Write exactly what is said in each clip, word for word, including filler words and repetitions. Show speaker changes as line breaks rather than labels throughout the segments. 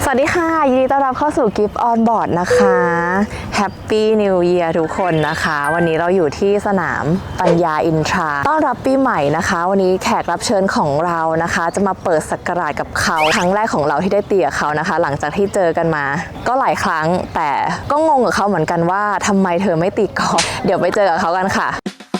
สวัสดีค่ะยินดีต้อนรับเข้าสู่ Gift on Board นะคะ Happy New Year ทุกคนนะคะวันนี้เราอยู่ที่สนามปัญญาอินทราต้อนรับปีใหม่นะคะวันนี้แขกรับเชิญของเรานะคะจะมาเปิดศักราชกับเขาครั้งแรกของเราที่ได้ตีกับเขานะคะหลังจากที่เจอกันมาก็หลายครั้งแต่ก็งงกับเขาเหมือนกันว่าทำไมเธอไม่ตีกอล์ฟเดี๋ยวไปเจอกับเขากันค่ะ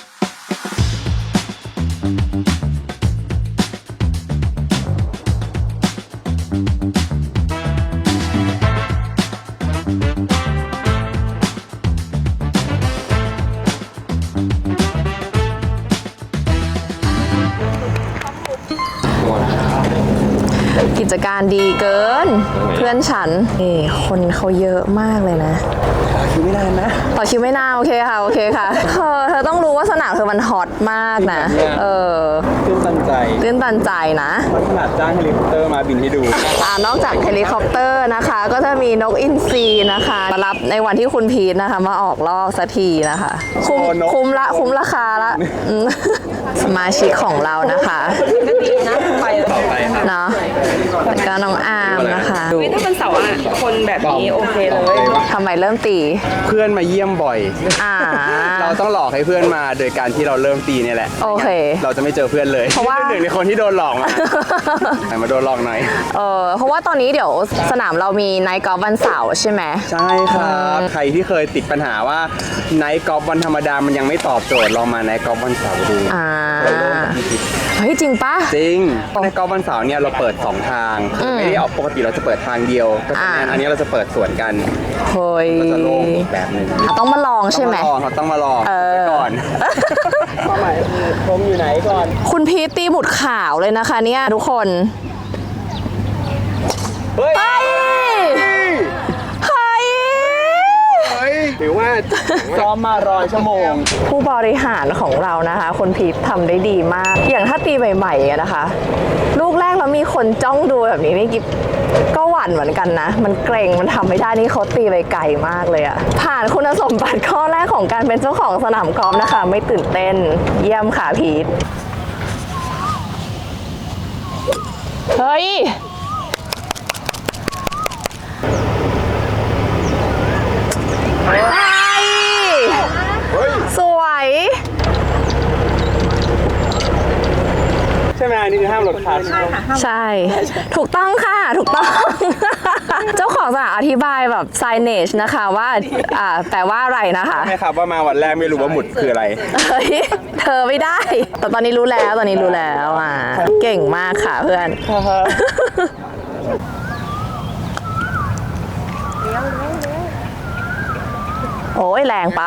กิจการดีเกินเพื่อนฉันนี่คนเขาเยอะมากเลยนะ
ต่อคิวไม่นานนะ
ต่อคิวไม่นานโอเคค่ะโอเคค่ะเธอเธอต้องรู้ว่าสนามเธอมันฮอตมากนะเออ
ตื่นตันใจ
ตื่นตันใจนะ
ขนาดจ้างเฮลิคอปเตอร์มาบินให้ดู
อ่านอกจากเฮลิคอปเตอร์นะคะก็จะมีนกอินทรีนะคะมารับในวันที่คุณพีทนะคะมาออกรอบสักทีนะคะคุ้มคุ้มละคุ้มราคาละสมาชิกของเรานะคะ
ก็ดีนะไปต่อไปค่ะ
เนาะแล้วก็น้องอาร์มนะคะ
ถ้าเป็นเสาร์อ่ะคนแบบนี้โอเคเลย
ทำไมเริ่มตี
เพื่อนมาเยี่ยมบ่อย
อ่า
เราต้องหลอกให้เพื่อนมาโดยการที่เราเริ่มตีนี่แหละ
โอเค
เราจะไม่เจอเพื่อนเลย
เพราะว่า
หนึ่งในคนที่โดนหลอกมามาโดนหลอกหน่อย
เออเพราะว่าตอนนี้เดี๋ยวสนามเรามีไนท์กอล์ฟวันเสาร์ใช่ไหม
ใช่ครับใครที่เคยติดปัญหาว่าไนท์กอล์ฟวันธรรมดามันยังไม่ตอบโจทย์ลองมาไนท์กอล์ฟวันเสาร์ดู
อ่าเฮ้ยจริงปะ
จริงไนท์กอล์ฟวันเสาร์เนี่ยเราเปิดสองทางไม่ได้เอาปกติเราจะเปิดทางเดียวก็อันนี้เราจะเปิดสวนกัน
เฮ้ย
ก็จะโล่งอีกแบบนึง
ต้องมาลองใช่ไหม
เขาต้องมาลองก่อนเป้าหมายชมอยู่ไหนก่อน
คุณพีทตีหมุดขาวเลยนะคะเนี่ยทุกคน
เฮ้ย
เฮ้ย
เฮ้ยหรือว่าซ้อมมารอยชั่วโมง
ผู้บริหารของเรานะคะคุณพีททำได้ดีมากอย่างถ้าตีใหม่ๆนะคะลูกแรกแล้วมีคนจ้องดูแบบนี้นี่กิ๊บก็หวั่นเหมือนกันนะมันเกรงมันทำไม่ได้นี่เขาตีไปไกลมากเลยอะผ่านคุณสมบัติข้อแรกของการเป็นเจ้าของสนามกอล์ฟนะคะไม่ตื่นเต้นเยี่ยมค่ะพีทเฮ้ยสวย
ใช่ไหมนี่คือห้ามรถคัน
ใช่ค่ะ
ใช่ถูกต้องค่ะถูกต้องเจ้าของสนามอธิบายแบบ signage นะคะว่าอ่าแปลว่าอะไรนะคะ
ไม่ครับว่ามาวันแรกไม่รู้ว่าหมุดคืออะไร
เฮ้ยเธอไม่ได้แต่ตอนนี้รู้แล้วตอนนี้รู้แล้วอ่ะเก่งมากค่ะเพื่อนโอ้ยแรงไป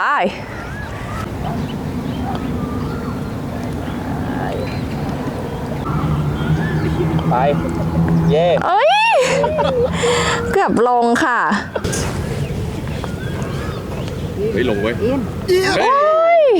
ไปเย่
เอ้ยเกือบลงค่ะ
เฮ้ยลงเว้ย
โอ้ย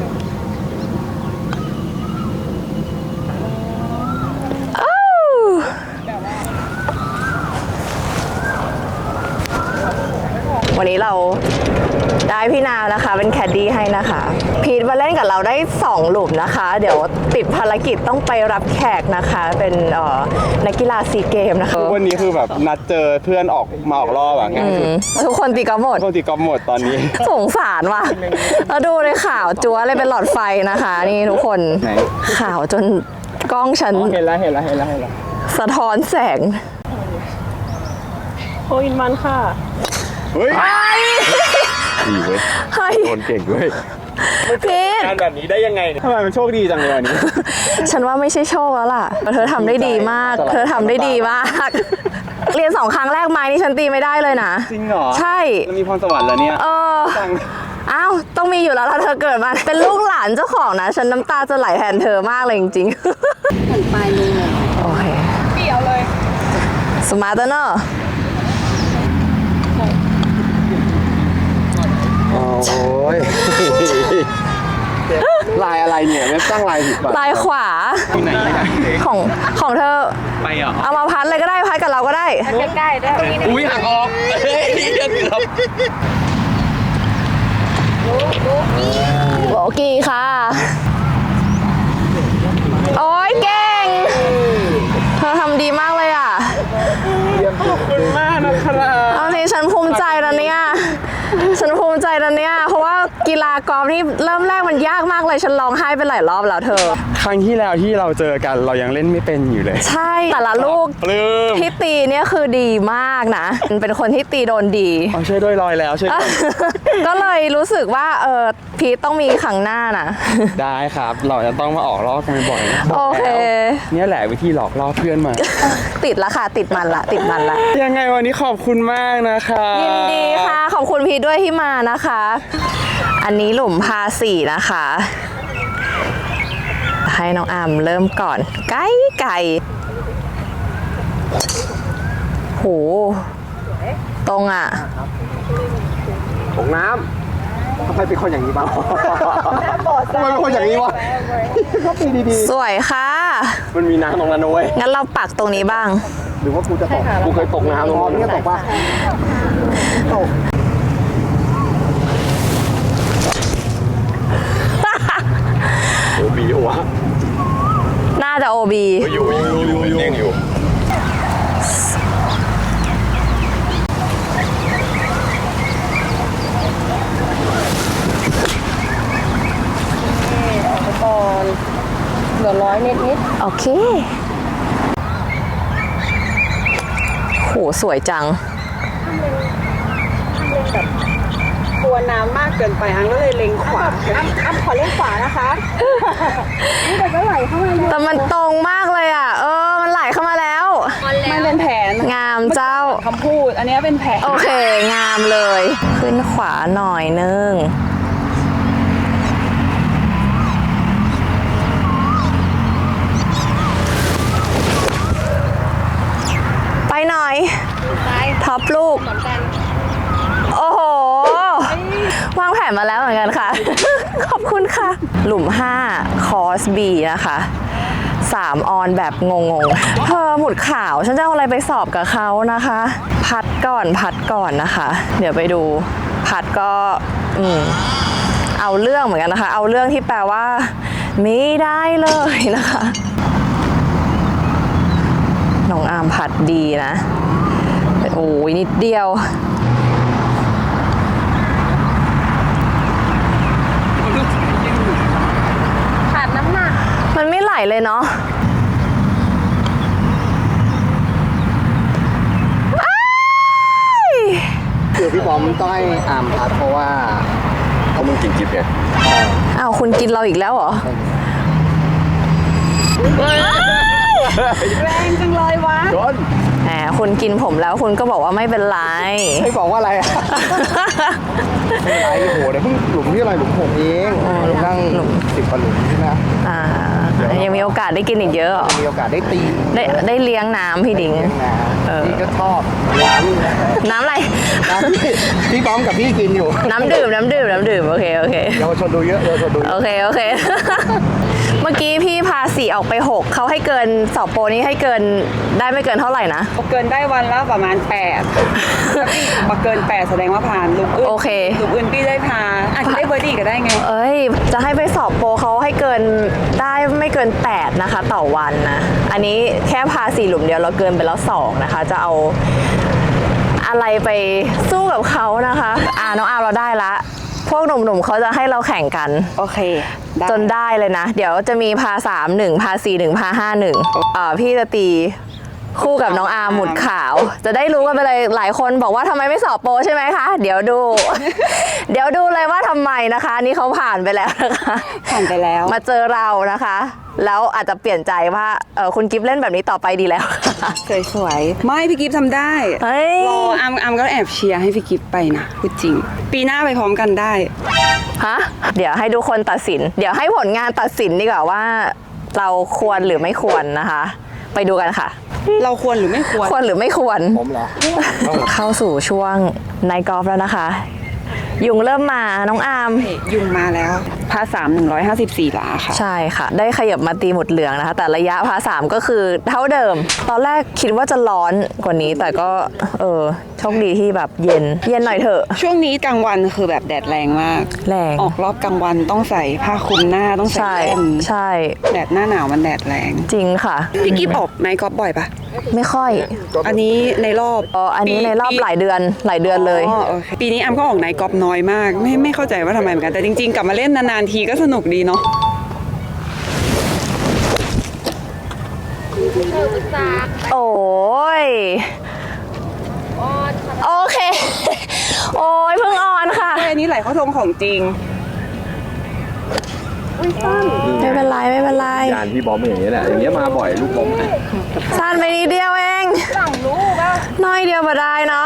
วันนี้เราได้พี่นาวนะคะเป็นแคดดี้ให้นะคะพีทมาเล่นกับเราได้สองหลุมนะคะเดี๋ยวติดภารกิจต้องไปรับแขกนะคะเป็นนักกีฬาซีเกมนะคะ
วันนี้คือแบบนัดเจอเพื่อนออกมาออกรอบแบบง่ายสุด
ทุกคนตีกอล์ฟหมด
ทุกคนตีกอล์ฟหมดตอนนี้
สงสารว่ะแล้วดูในข่าวจั๊วเลยเป็นหลอดไฟนะคะนี่ทุกคนข่าวจนกล้องฉัน
เห็นแล้วเห็นแล้วเห็นแล้วเห็นแล้ว
สะท้อนแสง
โฮอินวันค่ะ
เฮ้ยดีเว้ยคนเก่งเว้ย
พีท
การแบบนี้ได้ยังไงทำไมมันโชคดีจังเลยวันนี้
ฉันว่าไม่ใช่โชคแล้วล่ะเธอทำได้ดีมากเธอทำได้ดีมากเรียนสองครั้งแรกไม้นี่ฉันตีไม่ได้เลยนะ
จริงเหรอ
ใช่
มันมีพรสวรรค์แล้วเนี่ย
เอออ้าวต้องมีอยู่แล้วถ้าเธอเกิดมาเป็นลูกหลานเจ้าของนะฉันน้ำตาจะไหลแทนเธอมากเลยจริงๆ
หันไปเลย
โอเค
เปี่ยวเลย
สมาร์ทเนอะ
โอ้ยลายอะไรเนี่ยไม่ตั้งลายผิดป่ะ
ลายขวา
ที่ไหน
ของของเธอ
ไปเหรอ
เอามาพัดเลยก็ได้พัดกับเราก็ได้
ใกล้ๆได้
อุ้ยหักออกเฮ้ยนี่เกือบ
โอเคค่ะโอ้ยเก่งเธอทำดีมากเลยอ่ะ
ขอบคุณมาก
นภูมิใจนะเนี่ย ฉันภูมิใจนะเนี่ย เพราะว่ากีฬากอล์ฟนี่เริ่มแรกมันยากมากเลย ฉันร้องไห้ไปหลายรอบแล้วเธอ
ครั้งที่แล้วที่เราเจอกันเรายังเล่นไม่เป็นอยู่เลย
ใช่ แต่ละลูก
ปลื้ม
ที่ตีเนี่ยคือดีมากนะ เป็นคนที่ตีโดนดี
อ๋อช่วยด้วยลอยแล้วช่วยด้วย
ก็เลยรู้สึกว่าเออพีทต้องมีครั้งหน้านะ
ได้ครับ เราจะต้องมาออกรอบกันบ่อยๆบก
โอเค
แล้วเนี่ยแหละวิธีหลอกล่อเพื่อนมา
ติดละค่ะ ติดมันละ ติดมันละ
ยังไงวันนี้ขอบคุณมากนะคะ
ยินดีค่ะ ขอบคุณพีทด้วยที่มานะคะ อันนี้หลุมพาสี่นะคะ ให้น้องอามเริ่มก่อน ไก่ไก่โหตรงอ่ะ
ตกน้ำทำไมเป็นคนอย่างนี้บ้างทำไมเป็นคนอย่างนี้วะก็ปีดี
สวยค่ะ
ๆมันมีน้ำตรงนั้นนะเว้ย
งั้นเราปักตรงนี้บ้าง
หรือว่ากูจะตกกูเคยตกน้ำตรงนั้นตกป่ะตกโอ้บีวะ
น่าจะโอบี
อยู่อยู่อยู่อยู่ยังอยู่
ก่อนเหลือร้อยนิดนิด
โอเค โห สวยจัง
กลัวน้ำมากเกินไปอังก็เลยเล็งขวาอ้ำอ้ำขอเล็งขวานะคะนี่แต่ก็ไหลเข้ามาเลย
แต่มันตรงมากเลยอ่ะ เออ มันไหลเข้ามาแล้ว
มันเป็นแผน
งามเจ้า
คำพูด อันนี้เป็นแผน
โอเค งามเลย ขึ้นขวาหน่อยนึง ไปหน่อย ท็อปลูก โอ้โห วางแผนมาแล้วเหมือนกันค่ะ ขอบคุณค่ะ หลุมห้าคอร์ส B นะคะสามออนแบบงงๆเธอหมุดขาว ฉันจะเอาอะไรไปสอบกับเขานะคะ พัดก่อนพัดก่อนนะคะ เดี๋ยวไปดู พัดก็ อืม เอาเรื่องเหมือนกันนะคะ เอาเรื่องที่แปลว่า ไม่ได้เลยนะคะ น้องอาร์มพัดดีนะ โอ้ยนิดเดียว
ขาดน้ำหนัก
มันไม่ไหลเลยเนาะ
คือพี่บอมต้องให้อาร์มพัดเพราะว่าเขามึงกินจิ๊บไง
อ้าวคุณกินเราอีกแล้วเหรอ
แรงจังเลยวะ
โดน
แหมคุณกินผมแล้วคุณก็บอกว่าไม่เป็นไร
ไม่บอกว่าอะไรอ่ะ ไม่เป็นไรโอ้โหเดี๋ยวเพิ่งหลุมที่อะไรหลุมหกเองนั่งสิบกว่าหลุมใช่ไหม
อ่า ยังมีโอกาสได้กินอีกเยอะเหรอ
มีโอกาสได้ตี
ได้ได้เลี้ยงน้ำพี่ดิง เออ
พี่ก็ชอบน้ำ
น้ำอะไร
น้ำที่พี่บอมกับพี่กินอยู่
น้ำดื่ม น้ำดื่ม น้ำดื่ม โอเค โอเค
เยาวชนดูเยอะเยาวชนดูเย
โอ
อะ
เค โอเค เมื่อกี้พี่พาสีออกไปหกเขาให้เกินสอบโปรนี้ให้เกินได้ไม่เกินเท่าไหร่นะ
เกินได้วันละประมาณแปดมาเกินแปดแสดงว่าผ่านลูกอื่น
โอเค
ลูกอื่นพี่ได้พาอาจจะได้เบอร์ดี้ก็ได้ไง
เอ้ย จะให้ไปสอบโปรเขาให้เกินได้ไม่เกินแปดนะคะ ต่อวันนะ อันนี้แค่พาสี่หลุมเดียวเราเกินไปแล้วสองนะคะ จะเอาอะไรไปสู้กับเขานะคะ อ่าน้องอาร์มเราได้ละ พวกหนุ่มๆเขาจะให้เราแข่งกัน
โอเคได้
จนได้เลยนะ เดี๋ยวจะมีพาสามหนึ่งพาสี่หนึ่งพาห้าหนึ่งเอ่อพี่จะตีคู่กับน้องอาร์มหมุดขาว จะได้รู้กันไปเลยหลายคนบอกว่าทำไมไม่สอบโปรใช่ไหมคะ เดี๋ยวดู เดี๋ยวดูเลยว่าทำไมนะคะ นี่เขาผ่านไปแล้วนะคะ
ผ่านไปแล้ว
มาเจอเรานะคะ แล้วอาจจะเปลี่ยนใจว่าเออคุณกิฟเล่นแบบนี้ต่อไปดีแล้ว
สวยๆ ไม่พี่กิฟทำได้
เฮ้ย
รออามอามก็แอบเชียร์ให้พี่กิฟไปนะพูดจริง ปีหน้าไปพร้อมกันได้
ฮะเดี๋ยวให้ทุกคนตัดสิน เดี๋ยวให้ผลงานตัดสินดีกว่าว่าเราควรหรือไม่ควรนะคะ ไปดูกันค่ะ
เราควรหรือไม่ควร
ควรหรือไม่ควร
ผมเหรอ
เข้าสู่ช่วงไนท์กอล์ฟแล้วนะคะ ยุงเริ่มมาน้องอาร์ม
ยุงมาแล้วพาสามหนึ่งร้อยห้าสิบสี่หลาค่ะ
ใช่ค่ะ ได้ขยับมาตีหมุดเหลืองนะคะ แต่ระยะพาสามก็คือเท่าเดิม ตอนแรกคิดว่าจะร้อนกว่านี้ แต่ก็เออโชคดีที่แบบเย็น เย็นหน่อยเถอะ
ช่วงนี้กลางวันคือแบบแดดแรงมาก
แรง
ออกรอบกลางวันต้องใส่ผ้าคลุมหน้าต้องใส่
ใช่
แว่น
ใช่
แดดหน้าหนาวมันแดดแรง
จริงค่ะ
พี่กิฟออกไนท์กอล์ฟบ่อยปะ
ไม่ค่อย
อันนี้ในรอบ
อ๋ออันนี้ในรอบหลายเดือนหลายเดือนเลย
อ๋อโอเคปีนี้อัมก็ออกไนท์กอล์ฟน้อยมาก ไม่ไม่เข้าใจว่าทำไมเหมือนกัน แต่จริงๆ กลับมาเล่นนานๆทีก็สนุกดีเนาะ
โอ้ยโอเค โอ้ยเพิ่งออนค่ะ
อันนี้ไหลเข้าทงของจริง
ไม่เป็นไรไม่เป็นไร
ยานพี่บอมอย่างนี้แหละอย่างเงี้ยมาบ่อยลูกบอม
สั้นไปนิดเดียวเองน้อยเดียวมาได้น้อง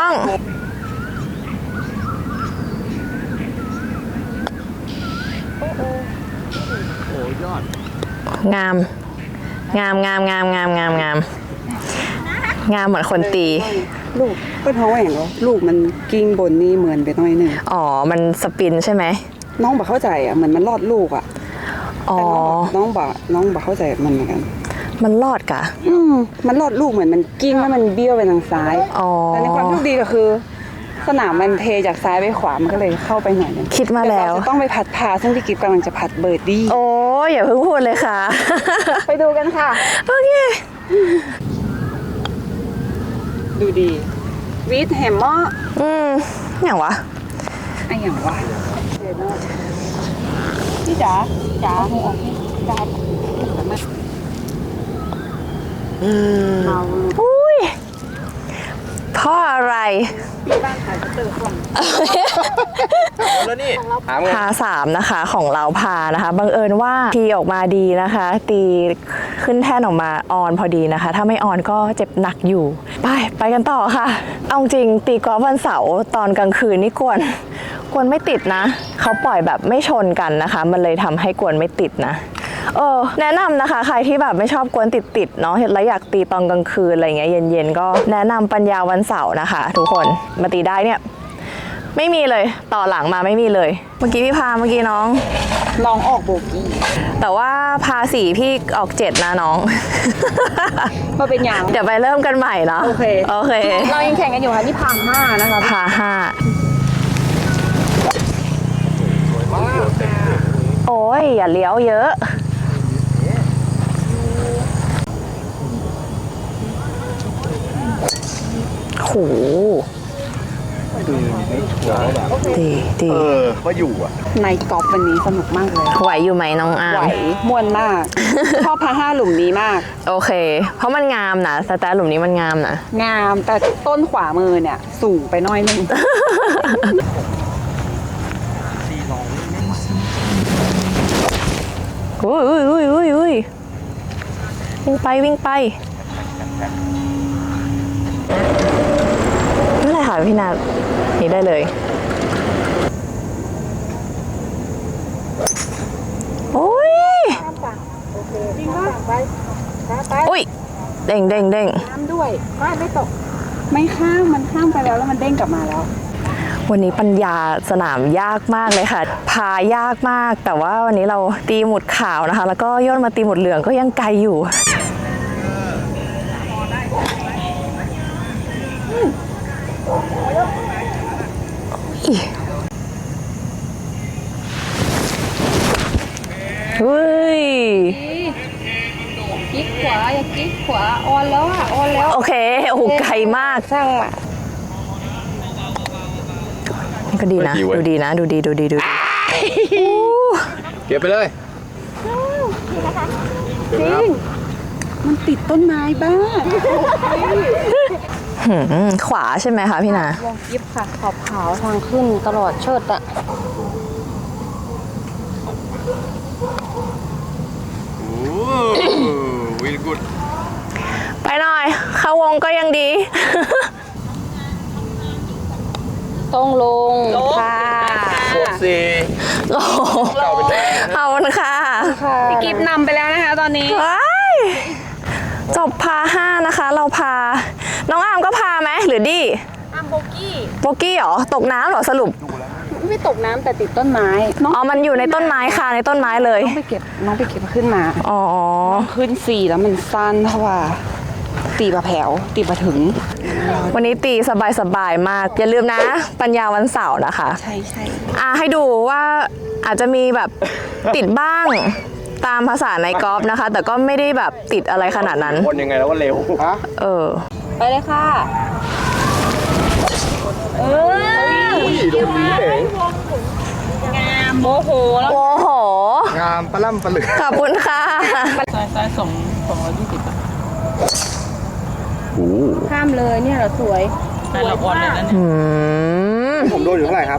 โอ้ยอด
งาม งามงามงามงามงามงามงามเหมือนคนตี
ลูกก็ท้องแหว่งเหรอลูกมันกิ้งบนนี่เหมือนไปหน่อยหนึ่ง
อ๋อ มันสปินใช่ไหม
น้องบอกเข้าใจอ่ะเหมือนมันรอดลูกอ่ะ
อ๋อ
แต่น้องบอกน้องบอกเข้าใจมันเหมือนกัน
มันรอดกะ
อืมมันรอดลูกเหมือนมันกิ้งแล้วมันเบี้ยวไปทางซ้าย
อ๋อ
แต่ในความโชคดีก็คือ สนามมันเทจากซ้ายไปขวามันก็เลยเข้าไปหน่อยนึง
คิดมาแล้ว
ต่เรจะต้องไปผัดพาซึ่งพี่กิฟต์กำลังจะผัดเบิร์ดดี้
โอ้ยอย่าเพิ่งพูดเลยค่ะ
ไปดูกันค่ะ
โอเค
ดูดีวีดแฮมเมอร์
อืมอย่างวะ
ไอ้อย่างวะพี่จ๋าจ๋าหูออกพี่จ๋า
อืม
เมา
อุ้ยเพ่ออะไร
ที่บ้านขายจะเติมของ
แล้วนี่ถามไง
พาสามนะคะของเราพานะคะบังเอิญว่าทีออกมาดีนะคะ ตีขึ้นแท่นออกมาออนพอดีนะคะ ถ้าไม่ออนก็เจ็บหนักอยู่ ไปไปกันต่อค่ะ เอาจริงตีกอล์ฟวันเสาร์ตอนกลางคืนนี่กวนกวนไม่ติดนะ เขาปล่อยแบบไม่ชนกันนะคะ มันเลยทำให้กวนไม่ติดนะ เออแนะนำนะคะใครที่แบบไม่ชอบกวนติดๆเนาะแล้วอยากตีตอนกลางคืนอะไรเงี้ยเย็นๆก็แนะนำปัญญาวันเสาร์นะคะ ทุกคนมาตีได้เนี่ยไม่มีเลยต่อหลังมาไม่มีเลย เมื่อกี้พี่พาเมื่อกี้น้อง
ลองออกโบกี้
แต่ว่าพาสี่พี่ออกเจ็ดนะน้อง
มาเป็นอย่าง
เดี๋ยวไปเริ่มกันใหม่เนาะ
โอเค
โอเค
เรายังแข่งกันอยู่ค่ะนี่พังห้านะคะ
พาห้าโอ้ยอย่าเลี้ยวเยอะโหดีดี
เออว่าอยู่อ่ะ
ในกอล์ฟวันนี้สนุกมากเลย
ไหวอยู่ไหมน้องอา
ไหว
ร์ม
ม่วนมาก ชอบพาห้าหลุมนี้มาก
โอเค เพราะมันงามนะสแตทหลุมนี้มันงามนะ
งามแต่ต้นขวามือเนี่ย สูงไปหน้อยนึง
อุ้ยอุ้ยอุ้ยอุ้ยอุ้ยวิ่งไปวิ่งไปนั่นแหละค่ะพี่นานี่ได้เลยโอ้ยอุ้ยเด้งเด้งเด้ง
น้ำด้วยก็ไม่ตก ไม่ข้ามมันข้ามไปแล้วแล้วมันเด้งกลับมาแล้ว
วันนี้ปัญญาสนามยากมากเลยค่ะ พายากมากแต่ว่าวันนี้เราตีหมุดขาวนะคะ แล้วก็ย่นมาตีหมุดเหลืองก็ยังไกลอยู่เฮ้ย
กิ๊กขวาอย่ากิ๊กขวาออนแล้วอ่ะออนแล้ว
โอเคโอ้โหไกลมาก
ช่างอ่ะ
นี่ก็ดีนะ ดูดีนะ ดูดีดูดีดูดี
เก็บไปเลย
จริงมันติดต้นไม้บ้าง
หืมขวาใช่ไหมคะพี่นา
วงกิฟค่ะขอบขาวทางขึ้นตลอดเชิดอ่ะ
โอ้วิลกุด
ไปหน่อย เข้าวงก็ยังดี
ต้องลงค่ะ
หกสี่
โอ้โหเอาละค่ะ
พี่กิฟนำไปแล้วนะคะตอนนี้
ว้ายจบพาห้านะคะ เราพา น้องอามก็พาไหมหรือดี
อัมโบกี้
โบกี้เหรอ ตกน้ำเหรอสรุป
ไไม่ตกน้ำแต่ติดต้นไม้น้อง
อ๋อมันอยู่ในต้นไม้ค่ะในต้นไม้เลย
น้องไปเก็บน้องไปเก็บขึ้นมา
อ๋อ
ขึ้นสี่แล้วมันสั้นเพราะว่าตีบะแผวตีบะถึง
วันนี้ตีสบายๆมาก อย่าลืมนะ ปัญญาวันเสาร์นะคะ
ใช่ใช่
อ่ะให้ดูว่าอาจจะมีแบบ ติดบ้างตามภาษาในกอล์ฟนะคะ แต่ก็ไม่ได้แบบติดอะไรขนาดนั้น
คนยังไงแล้วว่าเร็วฮะ
เออ
ไปเลยค่ะเออ
อุ้ยโดนนี้เอง
งามโมโหแล้ว
โอ้โห
งามปลาล่ำปลาเหลือ
ขอบคุณค่ะ
ซ้ายซ้ายสองสองร้อยยี่สิบ
โอ้
ข้ามเลยเนี่ยเหรอสวยแต่ละวันเลยนะ
อืม
ผมโดนอยู่เท่าไหร่ครับ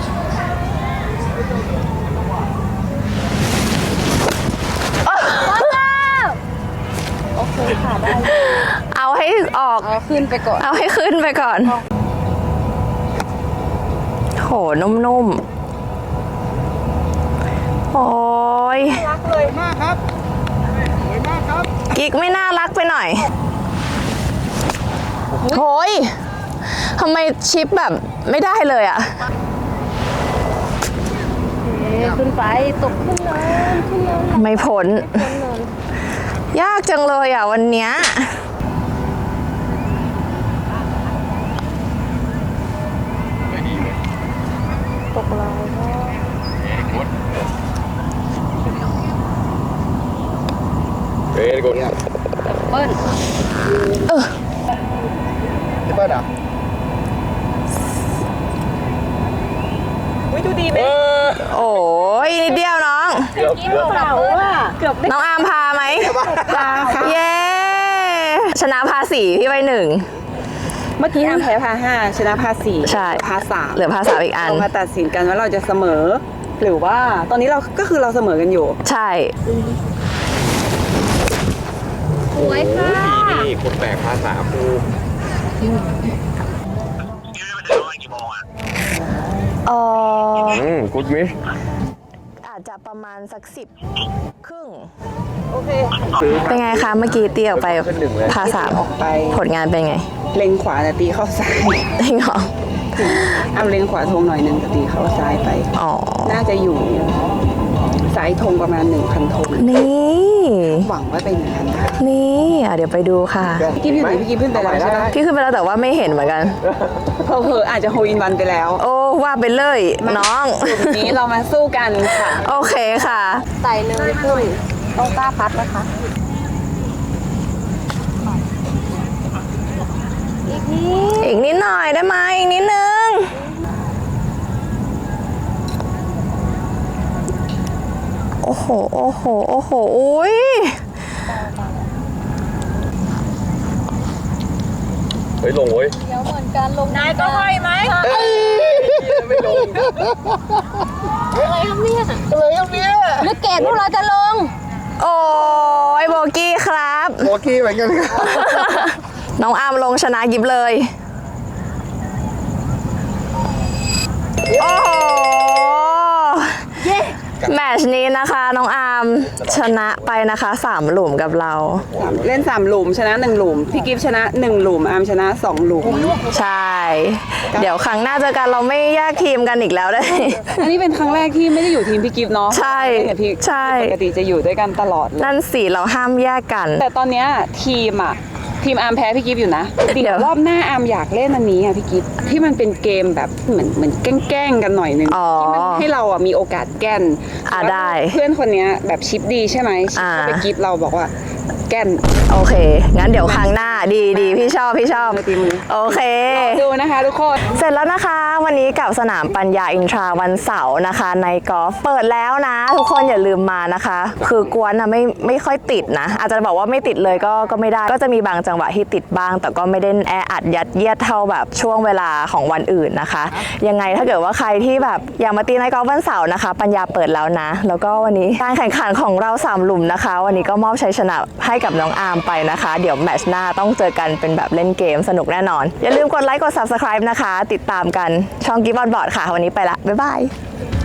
โอเคค่ะได้
เอาให้ออก
เอาขึ้นไปก่อน
เอาให้ขึ้นไปก่อน โห นุ่มๆ โอ้ย
รักเลย
มากครับสวยมากครับ
กิ๊กไม่น่ารักไปหน่อยโอ้ยทำไมชิปแบบไม่ได้เลยอะ
ขึ้นไปตกขึ้นเลยขึ้นเลย
ไม่พ้น ยากจังเลยอ่ะวันเนี้ย
ตกเรา
เฮ้ยกูเนี่ย
เปิ้ล
เออ
พี่เปิ้ลอ่ะ
วิดูดีไหม
โอ้ยนิดเดียวน้อง
เกือบเกือบ
เปล่าอ่ะเกือบได้
น้องอาร์มพาไหม
พาค่ะ
เย้ ชนะพาสี่พี่ไปหนึ่ง
เมื่อกี้อาร์มแพ้พาห้าชนะพาสี่
ใช่
พาสาม
เหลือพาสามอีกอัน
เรามาตัดสินกันว่าเราจะเสมอ หรือว่าตอนนี้เราก็คือเราเสมอกันอยู่
ใช่
สวยค่ะ
นี่คนแปลกภาษาครู
เออ
อืมกูดมิช
อาจจะประมาณสักสิบครึ่ง
โอเค
ซื้อ
เป็นไงคะเมื่อกี้ตีออกไป
ขึ้นหนึ่งเลย
พาสาม
ออกไป
ผลงานเป็นไง
เล็งขวาแต่ตีเข้าซ้าย
จริงเหรอ
อาร์มเล็งขวาธงหน่อยหนึ่งแต่ตีเข้าซ้ายไป
อ๋อ
น่าจะอยู่สายธงประมาณหนึ่งพันธง
นี่
หวังว่าเป็นอย่างนั้นนะ
นี่อ่ะเดี๋ยวไปดูค่ะ
พี่กิ๊ฟอยู่ไหนพี่กิ๊ฟขึ้นไปแล้วใช่ไหม
พี่ขึ้นไปแล้วแต่ว่าไม่เห็นเหมือนกัน
เพอเพอๆอาจจะโฮอินวันไปแล้ว
โอ้ว่าไปเลยน้อง
กลุ่มนี้เรามาสู้กันค่ะ
โอเคค่ะ
ใส่เลยปุ้ยต้องกล้าพัดนะคะอีกนิด
อีกนิดหน่อยได้ไหมอีกนิดนึง โอ้โห โอ้โห โอ้โห อุ้ย
เฮ้ยลงเว้ย
เดี๋ยวเหมือนกันลงนายก็ห้อยไหม
ไม่ลง
อะไรครับเนี่ย
อะไรครับเนี่ย
หรือเกตพวกเราจะลง
โอ้ยโบกี้ครับ
โอเคเหมือนกันครับ
น้องอาร์มลงชนะยิบเลย โอ้โห แมตช์นี้นะคะ น้องอาร์มชนะไปนะคะสามหลุมกับเรา
เล่นสามหลุมชนะหนึ่งหลุมพี่กิฟชนะหนึ่งหลุมอาร์มชนะสองหลุม
ใช่ เดี๋ยวครั้งหน้าเจอกันเราไม่แยกทีมกันอีกแล้วได้
อันนี้เป็นครั้งแรกที่ไม่ได้อยู่ทีมพี่กิฟเนาะ
ใช่
เล่นกับพี่
ใช่
ปกติจะอยู่ด้วยกันตลอดเลย
นั่นสิเราห้ามแยกกัน
แต่ตอนเนี้ยทีมอะทีมอาร์มแพ้พี่กิฟอยู่นะ
เดี๋
เดี๋
ย
ยว วรอบหน้าอาร์มอยากเล่นอันนี้อะพี่กิฟที่มันเป็นเกมแบบเหมือนเหมือนแกล้งๆกันหน่อยนึง
อ๋อ
ที่มันให้เราอะมีโอกาสแกล้น
อ่ะได้
เพื่อนคนเนี้ยแบบชิปดีใช่ไหมชิป
อ่า
เข้าไปกิฟเราบอกว่าแกล้น
โอเค งั้นเดี๋ยวครั้งหน้าดีดีพี่ชอบพี่ชอบ
ตีมือ
โอเค
ดูนะคะทุกคน
เสร็จแล้วนะคะ วันนี้กับสนามปัญญาอินทราวันเสาร์นะคะ ในกอล์ฟเปิดแล้วนะ ทุกคนอย่าลืมมานะคะ คือกวนนะไม่ไม่ค่อยติดนะ อาจจะบอกว่าไม่ติดเลยก็ก็ไม่ได้ ก็จะมีบางจังหวะที่ติดบ้าง แต่ก็ไม่ได้แออัดยัดเยียดเท่าแบบช่วงเวลาของวันอื่นนะคะ ยังไงถ้าเกิดว่าใครที่แบบอยากมาตีในกอล์ฟวันเสาร์นะคะ ปัญญาเปิดแล้วนะ แล้วก็วันนี้การแข่งขันของเราสามหลุมนะคะ วันนี้ก็มอบชัยชนะให้กับน้องอาร์มไปนะคะ เดี๋ยวแมตช์หน้าต้องเจอกันเป็นแบบเล่นเกมสนุกแน่นอน อย่าลืมกดไลค์กด ซับสไครบ์ นะคะ ติดตามกันช่องกิฟต์ออนบอร์ดค่ะ วันนี้ไปละ บ๊ายบาย